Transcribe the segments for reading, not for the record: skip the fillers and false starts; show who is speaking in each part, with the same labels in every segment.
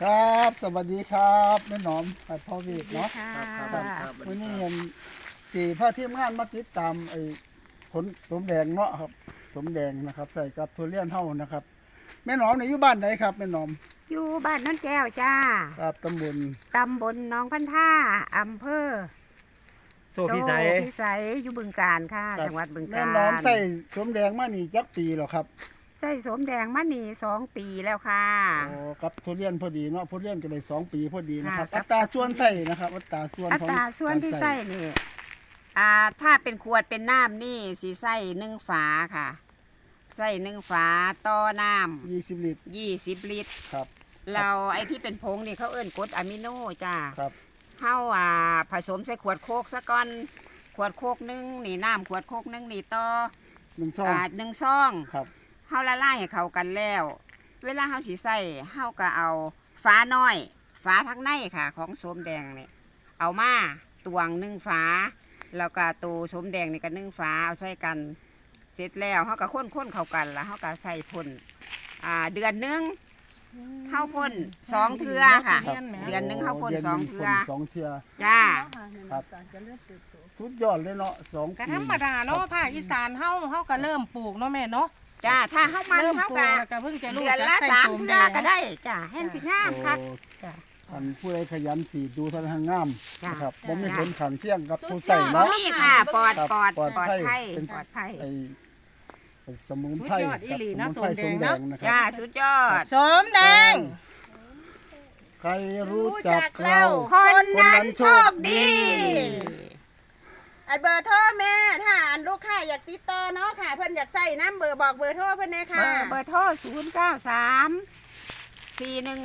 Speaker 1: ครับสวัสดีครับแม่หนอมพ่อวีดเนาะ
Speaker 2: ครับ
Speaker 1: วันนี้เห็นสี่พระทีมงานมาติดตามผลสมแดงเนาะครับสมแดงนะครับ ใส่กับทุเรียนเท่านะครับแม่หนอมอยู่บ้านไหนครับแม่หนอม
Speaker 2: อยู่บ้านน้นแก้วจ้า
Speaker 1: ครับตำบล
Speaker 2: ตำบลหนองพันท่าอำเภอ
Speaker 3: โซพิสัย
Speaker 2: พิสัยอยู่บึงกาฬค่ะ จังหวัดบึงกาฬ
Speaker 1: แม่หนอมใส่สมแดงมานี่จักปีแล้วครับ
Speaker 2: ใส่สมแดงมานี่2 ปีแล้วค่ะ
Speaker 1: โอ้ครับทุเรียนพอดีเนาะทุเรียนก็เลย2 ปีพอดีนะครับ
Speaker 2: ค่ะ
Speaker 1: อัตราส่วนใส่นะครับอัตราส่วน
Speaker 2: อั
Speaker 1: ของ
Speaker 2: ตราส่วนที่ใส่นี่ถ้าเป็นขวดเป็นน้ำนี่สีใส่1 ฝาค่ะ ใส่1 ฝาต่อน้ำ
Speaker 1: 20 ลิตร
Speaker 2: 20 ลิตร
Speaker 1: ครับ
Speaker 2: เราไอ้ที่เป็นผงนี่เขาเอิ้นกรดอะมิโนจ้า
Speaker 1: ครับ
Speaker 2: เฮาผสมใส่ขวดโคกซะก่อนขวดโคกหนึงนี่น้ำขวดโคกหนึงนี่ต่อ
Speaker 1: 1 ซอง
Speaker 2: 1 ซอง
Speaker 1: ครับ
Speaker 2: เฮาละลายให้เข้ากันแล้ว เวลาเฮาสิใส่เฮาก็เอาฝาน้อยฝาทั้งในค่ะ ของโสมแดงนี่เอามาตวง1 ฝาแล้วก็ตัวโสมแดงนี่ก็1 ฝาเอาใส่กัน เสร็จแล้วเฮาก็คนเข้ากันแล้วเฮาก็ใส่พ่นเดือนหนึงเฮาพ่น2 เทื่อค่ะ
Speaker 1: ครับ
Speaker 2: เดือนหนึ่งเขาพ่น
Speaker 1: ดื
Speaker 2: 2
Speaker 1: ห
Speaker 2: เทื่อ
Speaker 1: พ่น2 เทื่อ
Speaker 2: จ้า
Speaker 1: ครับสุดยอดเลยเนาะ2
Speaker 4: ก็
Speaker 1: ปี
Speaker 4: ธรรมดาเนาะภาคอีสานเฮาก็เริ่มปลูกเนาะแม่เนาะ
Speaker 2: จ้าถ้าเฮามัน
Speaker 4: เริ่ม
Speaker 2: เฮา
Speaker 4: ปลูก
Speaker 2: ก็
Speaker 4: แล้วก็เพิ่งจะรู้
Speaker 2: เดือนละ
Speaker 4: จักใส่
Speaker 2: 3
Speaker 4: โสม
Speaker 2: เทื่
Speaker 4: แด
Speaker 2: อง ก็ได้จ้าแห้งสิงามครับ
Speaker 1: โอ้
Speaker 2: จ้ะ
Speaker 1: อันผู้ใดขยันสีดูท่านทางงาม
Speaker 2: จ้ะ
Speaker 1: นะครับบ่มีผลขังเที่ยงกับผู้
Speaker 4: สุ
Speaker 1: ใส่
Speaker 4: ดยอด
Speaker 1: เนาะ
Speaker 2: นี่ค่ะปลอด
Speaker 1: ครับ
Speaker 2: ปลอด
Speaker 1: ปลอด
Speaker 2: ปลอด
Speaker 1: ภัย
Speaker 2: ภัย
Speaker 1: เป็น
Speaker 2: ปลอดภัย
Speaker 1: ไอ้สมุนไพร
Speaker 4: สุดยอดอี
Speaker 1: กับ
Speaker 4: หลี
Speaker 1: ส
Speaker 4: นะ
Speaker 1: มุนไพร
Speaker 4: โส
Speaker 1: ส
Speaker 4: ม
Speaker 1: ม
Speaker 4: แด
Speaker 1: แด
Speaker 4: ง
Speaker 1: ง
Speaker 4: นะ
Speaker 1: นะค
Speaker 2: จ้า
Speaker 1: รับ
Speaker 2: สุดยอด
Speaker 4: สมแดง
Speaker 1: ใครรู้จักเรา
Speaker 2: คนนั้นโชคดี
Speaker 4: อันเบอร์โทรแม่ถ้าอันลูกค้าอยากติดต่อเนาะค่ะ เพิ่นอยากใส่น้ำเบอร์บอกเบอร์โทรเพิ่นเลย
Speaker 2: เบ
Speaker 4: ค่ะ
Speaker 2: อร์โทร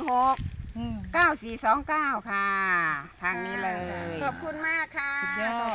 Speaker 2: 093 416 9429 ค่ะ ทางนี้เลย
Speaker 4: ขอบคุณมากค่ะ
Speaker 2: สุดยอด